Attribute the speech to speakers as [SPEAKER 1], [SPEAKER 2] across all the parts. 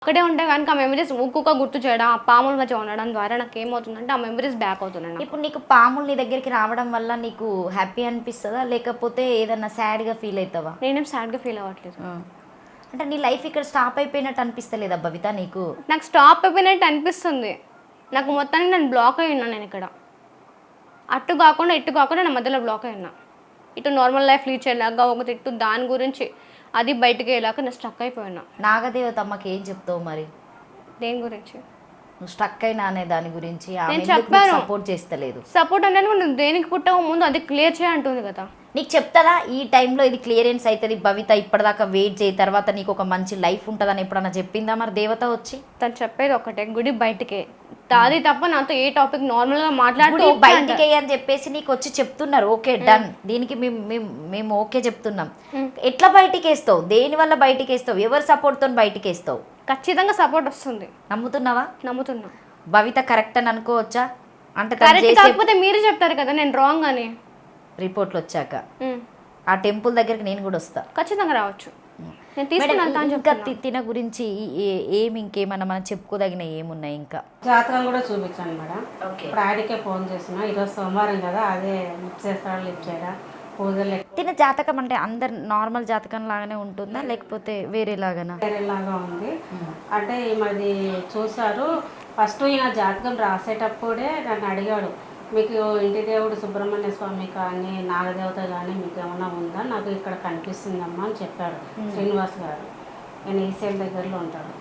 [SPEAKER 1] అక్కడే ఉంటే కనుక ఆ మెమరీస్ ఊక్కుక గుర్తు చేయడం, ఆ పాముల మధ్య ఉండడం ద్వారా నాకేమవుతుందంటే ఆ మెమరీస్ బ్యాక్ అవుతున్నాయి నాకు.
[SPEAKER 2] ఇప్పుడు నీకు పాములు నీ దగ్గరికి రావడం వల్ల నీకు హ్యాపీ అనిపిస్తదా? లేకపోతే ఏదన్నా సాడ్‌గా ఫీల్ అయితావా?
[SPEAKER 1] నేనేం సాడ్‌గా ఫీల్ అవ్వట్లేదు.
[SPEAKER 2] ఆ! అంటే నీ లైఫ్ ఇక్కడ స్టాప్ అయిపోయినట్టు అనిపిస్తలేదా భవిత నీకు?
[SPEAKER 1] నాకు స్టాప్ అయిపోయినట్టు అనిపిస్తుంది. నాకు మొత్తానికి నేను బ్లాక్ అయ్యి ఉన్నా నేనిక్కడ. అటు కాకుండా, ఇటు కాకుండా నా మధ్యలో బ్లాక్ అయ్యి ఉన్నా. ఇటు నార్మల్ లైఫ్ లీడ్ చేయలేక ఒకటి ఇటు దాని గురించి అది బయటికెళ్ళాక నేను స్ట్రక్ అయిపోయి ఉన్నా.
[SPEAKER 2] నాగదేవతమ్మకి ఏం చెప్తావు మరి?
[SPEAKER 1] దేని గురించి?
[SPEAKER 2] నువ్వు స్ట్రక్ అయినా అనే దాని గురించి ఆమె
[SPEAKER 1] నేను
[SPEAKER 2] ఎందుకు నీకు
[SPEAKER 1] చెప్పాను.
[SPEAKER 2] సపోర్ట్ చేస్తలేదు?
[SPEAKER 1] సపోర్ట్ అనేది నువ్వు దేనికి పుట్టక ముందు అది క్లియర్ చేయి అంటుంది కదా!
[SPEAKER 2] నీకు చెప్తదా ఈ టైంలో ఇది క్లియరెన్స్ అవుతుంది భవిత ఇప్పటిదాకా వెయిట్ చేయి తర్వాత నీకు ఒక మంచి లైఫ్ ఉంటుందని ఎప్పుడన్నా చెప్పిందా మరి దేవత వచ్చి?
[SPEAKER 1] తను చెప్పేది ఒకటే గుడి బయటికే. అది తప్ప నాతో ఏ టాపిక్ నార్మల్‌గా మాట్లాడుతూ
[SPEAKER 2] గుడి
[SPEAKER 1] ఓకే అంట.
[SPEAKER 2] బయటికి అని చెప్పేసి నీకు వచ్చి చెప్తున్నారు ఓకే డన్ దీనికి మేము ఓకే చెప్తున్నాం. ఎట్లా బయటికి వేస్తావు? దేని వల్ల బయటికి వేస్తావు? ఎవరి సపోర్ట్తో బయటికి వేస్తావు?
[SPEAKER 1] ఖచ్చితంగా సపోర్ట్ వస్తుంది.
[SPEAKER 2] నమ్ముతున్నావా?
[SPEAKER 1] నమ్ముతున్నా.
[SPEAKER 2] భవిత కరెక్ట్ అని అనుకోవచ్చా? అంటే తను
[SPEAKER 1] కరెక్ట్
[SPEAKER 2] చేసే
[SPEAKER 1] కాకపోతే మీరే చెప్తారు కదా నేను రాంగ్ అని.
[SPEAKER 2] రిపోర్ట్లు వచ్చాక
[SPEAKER 1] ఉమ్.
[SPEAKER 2] ఆ టెంపుల్ దగ్గరికి నేను కూడా వస్తా.
[SPEAKER 1] ఖచ్చితంగా రావచ్చు. నేను
[SPEAKER 2] మేడం,
[SPEAKER 1] తీసుకుని వెళ్తా అని
[SPEAKER 2] ఇంకా
[SPEAKER 1] చెప్తున్నా.
[SPEAKER 2] తిన గురించి ఏమి ఇంకేమన్నా మనం చెప్పుకోదగిన ఏమున్నాయి ఇంకా?
[SPEAKER 3] జాతకం కూడా చూపించాను మేడం.
[SPEAKER 2] ఓకే.
[SPEAKER 3] ఇప్పుడు ఆయనకే ఫోన్ చేసిన ఈరోజు సోమవారం కదా, అదే లిఫ్ట్ చేస్తాడు, లిఫ్ట్ చేయడా, పూజలు
[SPEAKER 2] తిన జాతకం అంటే అందరు నార్మల్ జాతకం లాగానే ఉంటుందా లేకపోతే వేరేలాగానా?
[SPEAKER 3] వేరేలాగా ఉంది. అంటే ఈమెది చూశారు. ఫస్ట్ ఈయన జాతకం రాసేటప్పుడే నన్ను అడిగాడు, మీకు ఇంటి దేవుడు సుబ్రహ్మణ్య స్వామి కానీ నాగదేవత కానీ మీకు ఏమైనా ఉందా, నాకు ఇక్కడ కనిపిస్తుందమ్మా అని చెప్పాడు శ్రీనివాస్ గారు. నేను ఈసేల్ దగ్గరలో ఉంటాడు,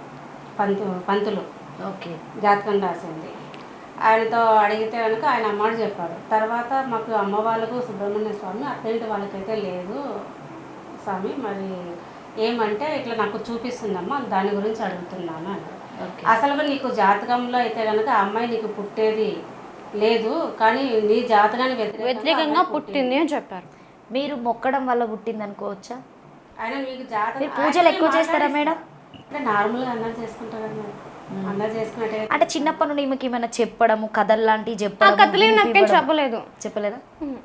[SPEAKER 3] పంతులు
[SPEAKER 2] ఓకే.
[SPEAKER 3] జాతకం రాసింది. ఆయనతో అడిగితే కనుక ఆయన అమ్మడు చెప్పాడు. తర్వాత మాకు అమ్మ వాళ్ళకు సుబ్రహ్మణ్య స్వామి, అత్తింటి వాళ్ళకైతే లేదు స్వామి, మరి ఏమంటే ఇట్లా నాకు చూపిస్తుందమ్మా దాని గురించి అడుగుతున్నాను అని. అసలు నీకు జాతకంలో అయితే కనుక అమ్మాయి నీకు పుట్టేది లేదు, కానీ నీ జాతకానికి
[SPEAKER 1] వ్యతిరేకంగా పుట్టింది అని చెప్పారు.
[SPEAKER 2] మీరు మొక్కడం వల్ల పుట్టింది అనుకోవచ్చా?
[SPEAKER 3] ఆయన మీకు జాతకం
[SPEAKER 2] మీరు పూజలు ఎక్కువ చేస్తారా మేడం?
[SPEAKER 3] అంటే నార్మల్గా అన్నది చేసుకుంటారు కదా మేడం, అన్నది చేసుకున్నట్టే.
[SPEAKER 2] అంటే చిన్నప్పటి నుండి మీకు ఏమైనా చెప్పడము కథలు లాంటివి
[SPEAKER 1] ఆ
[SPEAKER 2] చెప్పడం
[SPEAKER 1] కథలు నాకేం చెప్పలేదు.
[SPEAKER 2] చెప్పలేదా?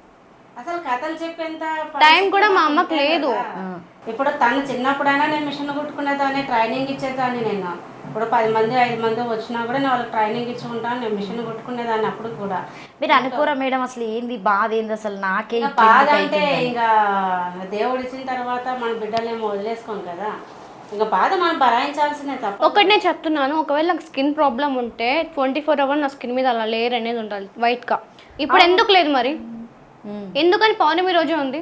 [SPEAKER 3] అసలు కథలు చెప్పేంత
[SPEAKER 1] టైం కూడా మా అమ్మకు లేదు.
[SPEAKER 3] ఇప్పుడు తను చిన్నప్పుడైనా నేను మిషన్ కుట్టుకునేదాన్ని, ట్రైనింగ్ ఇచ్చేదాన్ని. నేను ఇప్పుడు 10 మంది 5 మంది వచ్చినా కూడా నేను వాళ్ళకి ట్రైనింగ్ ఇచ్చుకుంటాను, నేను మిషన్ కుట్టుకునేదాన్ని అప్పుడు కూడా.
[SPEAKER 2] మీరు అనుకోరా మేడం అసలు ఏంది బాధ ఏంది అసలు నాకే
[SPEAKER 3] ఇంకా బాధ అంటే ఇంకా దేవుడు ఇచ్చిన తర్వాత మన బిడ్డలేమో వదిలేసుకోం కదా, ఇంకా బాధ మనం భరాయించాల్సిందే తప్ప.
[SPEAKER 1] ఒకటి నేను చెప్తున్నాను, ఒకవేళ నాకు స్కిన్ ప్రాబ్లం ఉంటే 24 hours నా స్కిన్ మీద అలా లేయర్ అనేది ఉండాలి వైట్గా. ఇప్పుడు ఎందుకు లేదు మరి? ఎందుకని పౌర్ణమి రోజే ఉంది?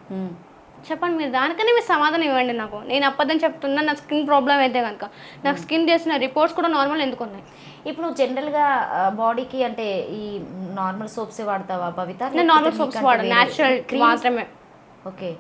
[SPEAKER 1] చెప్పండి మీరు, దానికనే మీరు సమాధానం ఇవ్వండి నాకు. నేను అబద్ధం చెప్తున్నా నా స్కిన్ ప్రాబ్లం అయితే కనుక. నాకు స్కిన్ చేసిన రిపోర్ట్స్ కూడా నార్మల్ ఎందుకు ఉన్నాయి?
[SPEAKER 2] ఇప్పుడు జనరల్గా బాడీకి అంటే ఈ నార్మల్ సోప్సే వాడతావా భవిత?
[SPEAKER 1] నేను నార్మల్ సోప్స్ వాడను, న్యాచురల్ మాత్రమే.
[SPEAKER 2] ఓకే.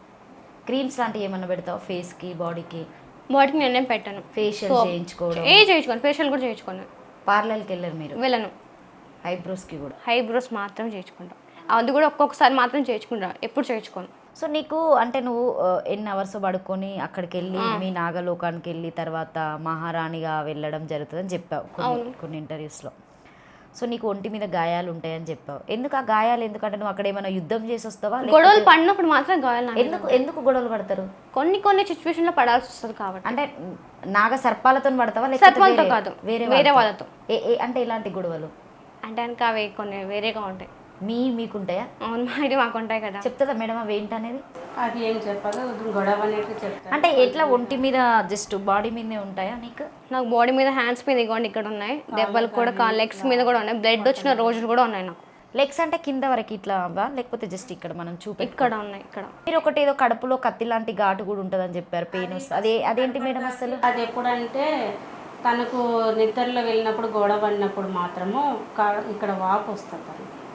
[SPEAKER 2] క్రీమ్స్ లాంటివి ఏమన్నా పెడతావా ఫేస్కి బాడీకి?
[SPEAKER 1] బాడీకి నేనేం పెట్టాను.
[SPEAKER 2] ఫేషియల్ చేయించుకోవడం
[SPEAKER 1] చేయించుకోను, ఫేషియల్ కూడా చేయించుకోను.
[SPEAKER 2] పార్లర్కి వెళ్ళరు మీరు?
[SPEAKER 1] వెళ్ళను.
[SPEAKER 2] ఐబ్రోస్కి కూడా?
[SPEAKER 1] ఐబ్రోస్ మాత్రం చేయించుకుంటాను, అది కూడా ఒక్కొక్కసారి మాత్రం చేయించుకుంటాను, ఎప్పుడు చేయించుకోను.
[SPEAKER 2] సో నీకు అంటే నువ్వు ఎన్ని అవర్స్ పడుకొని అక్కడికి వెళ్ళి మీ నాగలోకానికి వెళ్ళి తర్వాత మహారాణిగా వెళ్ళడం జరుగుతుందని చెప్పావు కొన్ని ఇంటర్వ్యూస్లో. సో నీకు ఒంటి మీద గాయాలు ఉంటాయని చెప్పావు. ఎందుకు ఆ గాయాలు? ఎందుకంటే నువ్వు అక్కడ ఏమైనా యుద్ధం చేసి వస్తావా?
[SPEAKER 1] గొడవలు పడినప్పుడు మాత్రం గాయాలు.
[SPEAKER 2] ఎందుకు గొడవలు పడతారు?
[SPEAKER 1] కొన్ని సిచ్యువేషన్లో పడాల్సి వస్తుంది కాబట్టి.
[SPEAKER 2] అంటే నాగ సర్పాలతో పడతావా
[SPEAKER 1] సర్పాలతో కాదు, వేరే వాళ్ళతో.
[SPEAKER 2] అంటే ఎలాంటి గొడవలు?
[SPEAKER 1] అంటే కనుక అవి కొన్ని వేరేగా ఉంటాయి.
[SPEAKER 2] మీకుంటాయా?
[SPEAKER 1] అవును, మాకు ఉంటాయి కదా.
[SPEAKER 2] చెప్తుందా మేడం అవి ఏంటనేది?
[SPEAKER 3] అది ఏం చెప్పదు, గొడవ అనేది చెప్తాను.
[SPEAKER 2] అంటే ఎట్లా ఒంటి మీద జస్ట్ బాడీ మీదనే ఉంటాయా నీకు?
[SPEAKER 1] నాకు బాడీ మీద, హ్యాండ్స్ మీద ఇవ్వండి ఇక్కడ ఉన్నాయి దెబ్బలు కూడా, లెగ్స్ మీద కూడా ఉన్నాయి, బ్లడ్ వచ్చిన రోజులు కూడా ఉన్నాయి నాకు.
[SPEAKER 2] లెగ్స్ అంటే కింద వరకు ఇట్లా అవ్వా లేకపోతే జస్ట్ ఇక్కడ మనం
[SPEAKER 1] ఇక్కడ ఉన్నాయి ఇక్కడ.
[SPEAKER 2] మీరు ఒకటి ఏదో కడుపులో కత్తి లాంటి ఘాటు కూడా ఉంటుందని చెప్పారు, పెయిన్ వస్తుంది, అదేంటి మేడం అసలు?
[SPEAKER 3] అది ఎప్పుడంటే తనకు నిద్రలో వెళ్ళినప్పుడు గొడవ పడినప్పుడు మాత్రము ఇక్కడ వాపు వస్తుంది.